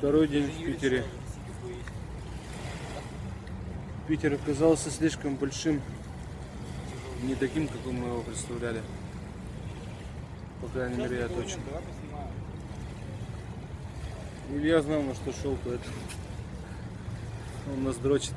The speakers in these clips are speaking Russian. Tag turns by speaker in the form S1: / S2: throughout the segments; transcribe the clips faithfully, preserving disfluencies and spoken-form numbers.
S1: Второй день в Питере. Питер оказался слишком большим, не таким, каким мы его представляли. По крайней мере, я точно. Илья знал, на что шел, поэтому он нас дрочит.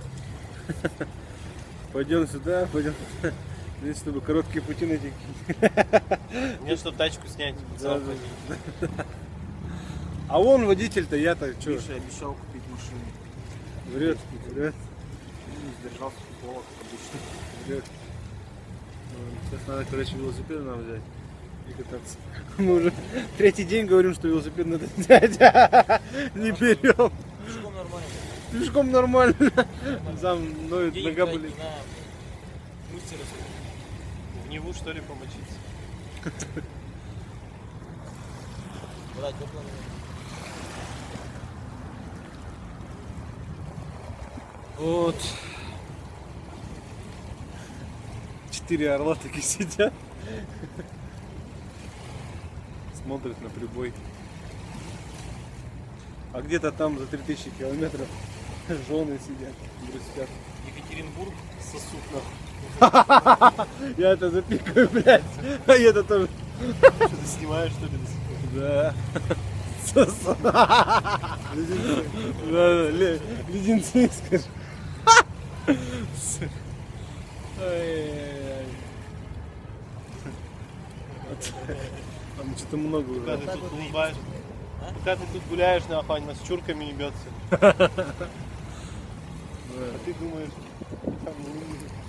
S1: Пойдем сюда, пойдем сюда. Здесь, чтобы короткие пути найти.
S2: Мне, чтобы тачку снять.
S1: Да, да, да. А он водитель-то, я-то что?
S3: Миша обещал купить машину.
S1: Врет, врет,
S3: Не сдержался слова, как обычно.
S1: врет. Сейчас надо, короче, велосипед нам взять и кататься. Мы уже третий день говорим, что велосипед надо взять. Не берем.
S2: Пешком нормально.
S1: Пешком нормально. Сам ноет,
S2: Денег
S1: нога
S2: тратить
S1: болит.
S2: на мастера.
S3: В Неву, что ли, помочиться?
S2: Брать доплату.
S1: Вот. Четыре орла таки сидят. Смотрят на прибой. А где-то там за три тысячи километров жены сидят, грустят.
S2: Екатеринбург сосуд.
S1: Я это запикаю, блядь. А я это тоже.
S3: Что ты снимаешь, что ли, до сих пор?
S1: Да. Сосу. Леденцы. Да, да, ле- леденцы, скажи. Ай-яй-яй. Там что-то много
S3: Пока
S1: уже.
S3: ты тут улыбаешь. Пока ты тут гуляешь, нахуй, она с чурками не бьется. А ты думаешь, там, ну,